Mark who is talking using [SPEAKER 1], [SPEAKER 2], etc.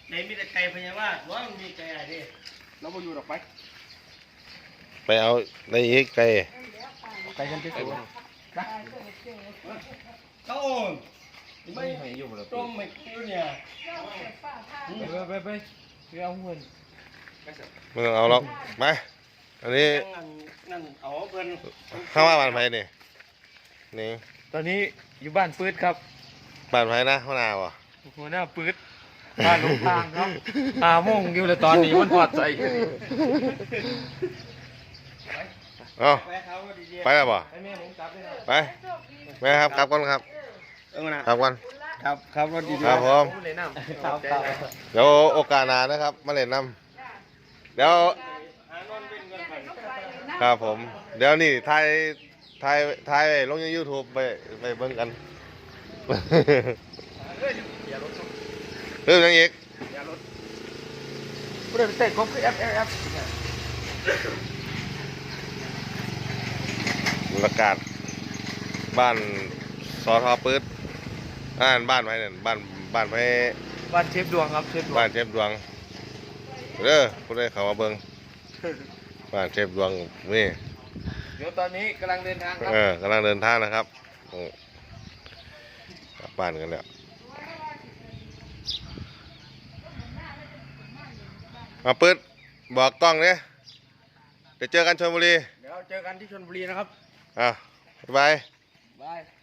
[SPEAKER 1] ในมีแต่ไก่พญาว่าว่ามันมีไก่อะไรดิเราไปอยู่ดอก
[SPEAKER 2] ไปเอาในอีกไก่
[SPEAKER 1] ไก่กันที่สุดเขาโอนไม่ต้มไม่คิ้วเนี่ยไปเอาเงิน
[SPEAKER 2] ไม่ต้องเอาหรอกมาอันนี้
[SPEAKER 1] นั่นเอาเงิน
[SPEAKER 2] ข้าวว่าบ้านไผ่นี่นี่
[SPEAKER 1] ตอนนี้อยู่บ้านปื๊ดครับ
[SPEAKER 2] บ้านไผ่นะหัวหน้าวะ
[SPEAKER 1] หัวหน้าปื๊ดบ้านหลงทางครับโมงอยู่เลยตอนนี้มันพอดใจ
[SPEAKER 2] เอาไปแล้วบ่ไปแม่ครับกลับก่อนครับกลับก่อน
[SPEAKER 1] ครับรถดี
[SPEAKER 2] ครับผม
[SPEAKER 1] ครับ
[SPEAKER 2] เดี๋ยวโอกาสหน้านะครับมาเล่นน้ำเดี๋ยวครับผมเดี๋ยวนี่ถ่ายลงใน YouTube ไปเบิ่งกันเรื่องยังอีก
[SPEAKER 1] ผู้ใดไปเตะกบคือ F
[SPEAKER 2] บรรยากาศบ้านสอทอปื๊ดบ้านไว้เนี่ยบ้านไว้
[SPEAKER 1] บ้านเชฟดวงครับเชฟดวง
[SPEAKER 2] บ้านเชฟดวงเด้อผู้ใดเข้ามาเบิ่งบ้านเชฟดวงนี่
[SPEAKER 1] เดี๋ยวตอนนี้กำลังเดินทางครับ
[SPEAKER 2] กำลังเดินทางนะครับกลับบ้านกันแล้วมาปื๊ดบอกกล้องเนี่ยเดี๋ยวเจอกันชลบุรี
[SPEAKER 1] เดี๋ยวเจอกันที่ชลบุรีนะครับ
[SPEAKER 2] บ๊ายบาย
[SPEAKER 1] บาย